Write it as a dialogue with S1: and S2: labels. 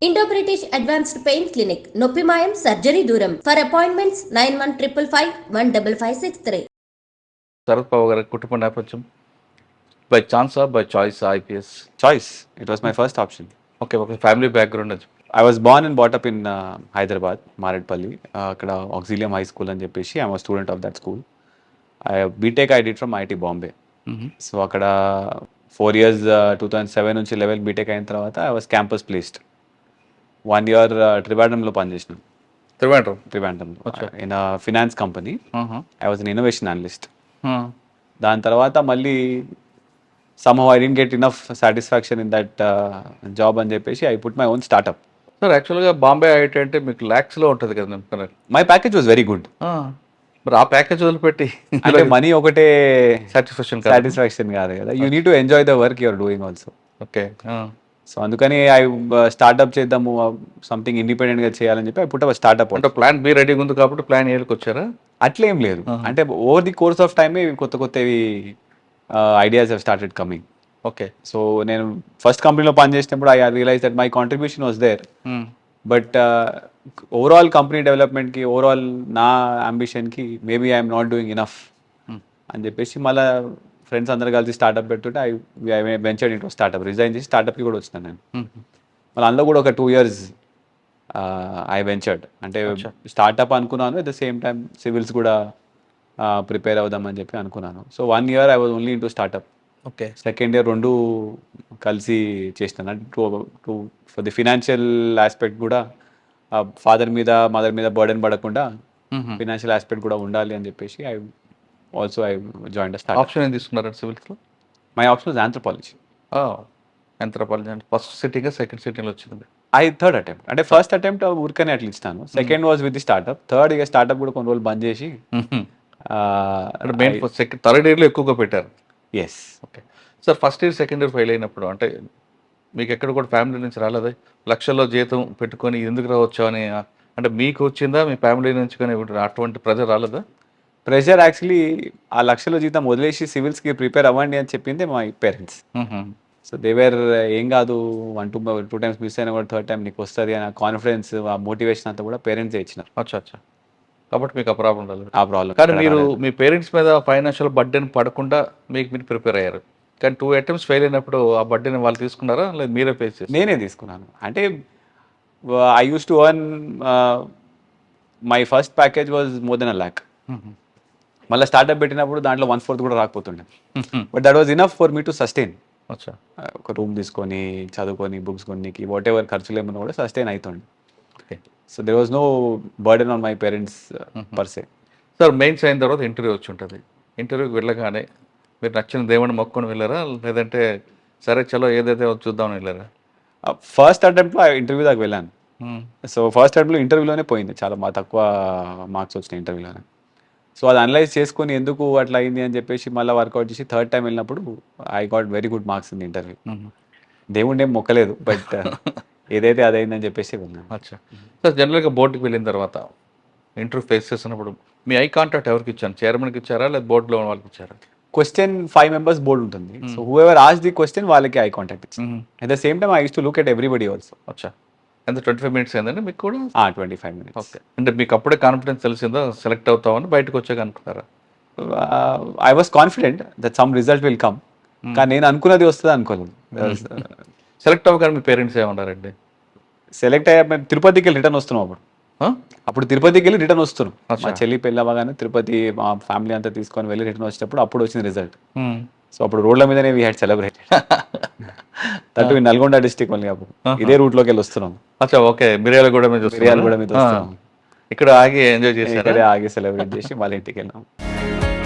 S1: Indo British advanced pain clinic నొప్పి మాయం surgery దూరం ఫర్ అపాయింట్మెంట్స్ 9155515563.
S2: శరత్ పవార్ గారి కుటుంబ నేపథ్యం by chance by choice IPS
S3: Choice. It was my first option.
S2: Okay ఒక ఫ్యామిలీ బ్యాక్గ్రౌండ్ అది
S3: I was born and brought up in Hyderabad, Maredpalli. అక్కడ Auxilium High School అని చెప్పేసి I'm a student of that school. BTech I did from IIT Bombay. So అక్కడ 4 years 2007 నుంచి 11 BTech అయిన తర్వాత I was campus placed 1 year ట్రివాండ్రంలో పనిచేసిన ట్రివాండ్రంలో in finance company I was an innovation analyst. దాని తర్వాత మళ్ళీ somehow I didn't get enough satisfaction in that job అని చెప్పేసి I put my own startup.
S2: Sir యాక్చువల్గా బాంబే ఐఐటి అంటే మీకు ల్యాక్స్లో ఉంటుంది కదా నేను
S3: My package was very good.
S2: మరి ఆ ప్యాకేజ్ వదిలిపెట్టి
S3: అంటే మనీ ఒకటే
S2: సాటిస్ఫాక్షన్
S3: కాదు కదా, you need to enjoy the work you're doing also.
S2: Okay
S3: so అందుకని ఐ స్టార్ట్అప్ చేద్దాము, సంథింగ్ ఇండిపెండెంట్గా చేయాలని చెప్పి ఐ పుట్ అప్ స్టార్ట్అప్.
S2: అంటే ప్లాన్ బి రెడీగా ఉంది కాబట్టి ప్లాన్ ఏళ్ళకి వచ్చారా?
S3: అట్లేం లేదు, అంటే over the course of time కొత్త కొత్తవి ideas have started coming.
S2: Okay
S3: so నేను ఫస్ట్ కంపెనీలో పనిచేసినప్పుడు I realize that my contribution was there, but overall company డెవలప్మెంట్కి, ఓవరాల్ నా అంబిషన్కి maybe I'm not doing enough అని చెప్పేసి మళ్ళీ ఫ్రెండ్స్ అందరు కలిసి స్టార్ట్అప్ పెడుతుంటే I ventured into startup. Resign చేసి స్టార్ట్అప్కి కూడా వచ్చినాను నేను. మళ్ళీ అందులో కూడా ఒక 2 years ఐ వెంచర్డ్. అంటే స్టార్ట్అప్ అనుకున్నాను, at the same time civils కూడా ప్రిపేర్ అవుదామని చెప్పి అనుకున్నాను. So 1 year I was only into startup.
S2: Okay
S3: second year రెండు కలిసి చేసినాను. అంటే ఫర్ ది ఫినాన్షియల్ ఆస్పెక్ట్ కూడా ఫాదర్ మీద మదర్ మీద బర్డెన్ పడకుండా ఫినాన్షియల్ ఆస్పెక్ట్ కూడా ఉండాలి అని చెప్పేసి ఐ జాయిన్ స్టార్ట్.
S2: ఆప్షన్ ఏం తీసుకున్నారు సివిల్స్లో?
S3: My option was anthropology.
S2: Anthropology అంటే ఫస్ట్ సిట్టింగ్ సెకండ్ సిట్టింగ్లో వచ్చింది.
S3: థర్డ్ అటెంప్ట్, అంటే ఫస్ట్ అటెంప్ట్ ఊరికనే అట్లా ఇస్తాను. Second was with the startup. Third ఇక స్టార్ట్అప్ కూడా కొన్ని రోజులు బంద్ చేసి
S2: అంటే మెయిన్ థర్డ్ ఇయర్లో ఎక్కువగా పెట్టారు.
S3: Yes.
S2: Okay sir, first year second year fail అయినప్పుడు అంటే మీకు ఎక్కడ కూడా ఫ్యామిలీ నుంచి రాలేదా? లక్షల్లో జీతం పెట్టుకొని ఎందుకు రావచ్చు అని అంటే మీకు వచ్చిందా, మీ ఫ్యామిలీ నుంచి కానీ అటువంటి ప్రెజర్ రాలేదా?
S3: ప్రెషర్ యాక్చువల్లీ ఆ లక్షల జీతం వదిలేసి సివిల్స్కి ప్రిపేర్ అవ్వండి అని చెప్పింది మై పేరెంట్స్. సో దేవేర్ ఏం కాదు, 1-2 times మిస్ అయినా కూడా థర్డ్ టైం నీకు వస్తుంది అనే కాన్ఫిడెన్స్, ఆ మోటివేషన్ అంతా కూడా పేరెంట్సే ఇచ్చినారు.
S2: అచ్చా కాబట్టి మీకు ఆ ప్రాబ్లం రాలేదు.
S3: ఆ ప్రాబ్లం
S2: కానీ మీరు మీ పేరెంట్స్ మీద ఫైనాన్షియల్ బర్డెన్ పడకుండా మీరు ప్రిపేర్ అయ్యారు. కానీ 2 attempts ఫెయిల్ అయినప్పుడు ఆ బర్డెన్ వాళ్ళు తీసుకున్నారా లేదా మీరే ఫేస్ చేసి?
S3: నేనే తీసుకున్నాను. అంటే I used to earn, my first package was more than 1 lakh. మళ్ళీ స్టార్ట్అప్ పెట్టినప్పుడు దాంట్లో 1/4 కూడా రాకపోతుండే, but that was enough for me to sustain.
S2: అచ్చా,
S3: ఒక రూమ్ తీసుకొని చదువుకొని బుక్స్ కొనికి వాట్ ఎవర్ ఖర్చులు ఏమన్నా కూడా సస్టైన్ అవుతుండే.
S2: Okay.
S3: So there was no burden on my parents per.
S2: Se మెయిన్స్ అయిన తర్వాత ఇంటర్వ్యూ వచ్చి ఉంటుంది. ఇంటర్వ్యూకి వెళ్ళగానే మీరు నచ్చిన దేవుని మొక్కుని వెళ్ళారా లేదంటే సరే చలో ఏదైతే చూద్దామని వెళ్ళారా?
S3: ఫస్ట్ అటెంప్ట్లో ఇంటర్వ్యూ దాకా వెళ్ళాను. సో ఫస్ట్ అటెంప్ట్లో ఇంటర్వ్యూలోనే పోయింది, చాలా తక్కువ మార్క్స్ వచ్చినాయి ఇంటర్వ్యూలోనే. సో అది అనలైజ్ చేసుకొని ఎందుకు అట్లా అయింది అని చెప్పేసి మళ్ళీ వర్కౌట్ చేసి థర్డ్ టైం వెళ్ళినప్పుడు I got very good marks in interview. దేవుణ్ణి ఏం మొక్కలేదు, బట్ ఏదైతే అదైందని చెప్పేసి వెళ్ళాను.
S2: అచ్చా సార్, జనరల్గా బోర్డుకి వెళ్ళిన తర్వాత ఇంటర్వ్యూ ఫేస్ చేసినప్పుడు మీ ఐ కాంటాక్ట్ ఎవరికి ఇచ్చాను? చైర్మన్కి ఇచ్చారా లేదా బోర్డులో వాళ్ళకి ఇచ్చారా?
S3: క్వశ్చన్ 5 members బోర్డు ఉంటుంది. So whoever as the question వాళ్ళకి ఐ కాంటాక్ట్ ఇచ్చింది. At the same time I used to look at everybody also.
S2: అచ్చా, ఎంత 25 minutes అయిందండి మీకు కూడా?
S3: 25 minutes.
S2: ఓకే, అంటే మీకు అప్పుడే కాన్ఫిడెన్స్ తెలిసిందో సెలెక్ట్ అవుతామని బయటకు వచ్చాక అనుకున్నారా?
S3: I was confident that some result will come, కానీ నేను అనుకున్నది వస్తుంది అనుకోలేదు.
S2: సెలెక్ట్ అవ్వగానే మీ పేరెంట్స్ ఏమన్నారండి?
S3: సెలెక్ట్ అయ్యా మేము తిరుపతికి వెళ్ళి రిటర్న్ వస్తున్నాం. అప్పుడు తిరుపతికి వెళ్ళి రిటర్న్ వస్తున్నాం. మా చెల్లి పెళ్ళి అవ్వగానే తిరుపతి మా ఫ్యామిలీ అంతా తీసుకొని వెళ్ళి రిటర్న్ వచ్చేటప్పుడు అప్పుడు వచ్చింది రిజల్ట్. సో అప్పుడు రోడ్ల మీదనే we had celebrated. That in Nalgonda district మళ్ళీ అప్పుడు ఇదే రూట్ లోకి వెళ్ళి వస్తున్నాం.
S2: అచ్చా, ఓకే. మిర్యాలగూడ మీద
S3: వస్తున్నాం.
S2: ఇక్కడ ఆగి ఎంజాయ్ చేసి
S3: ఆగి సెలబ్రేట్ చేసి వాళ్ళ ఇంటికి వెళ్ళాం.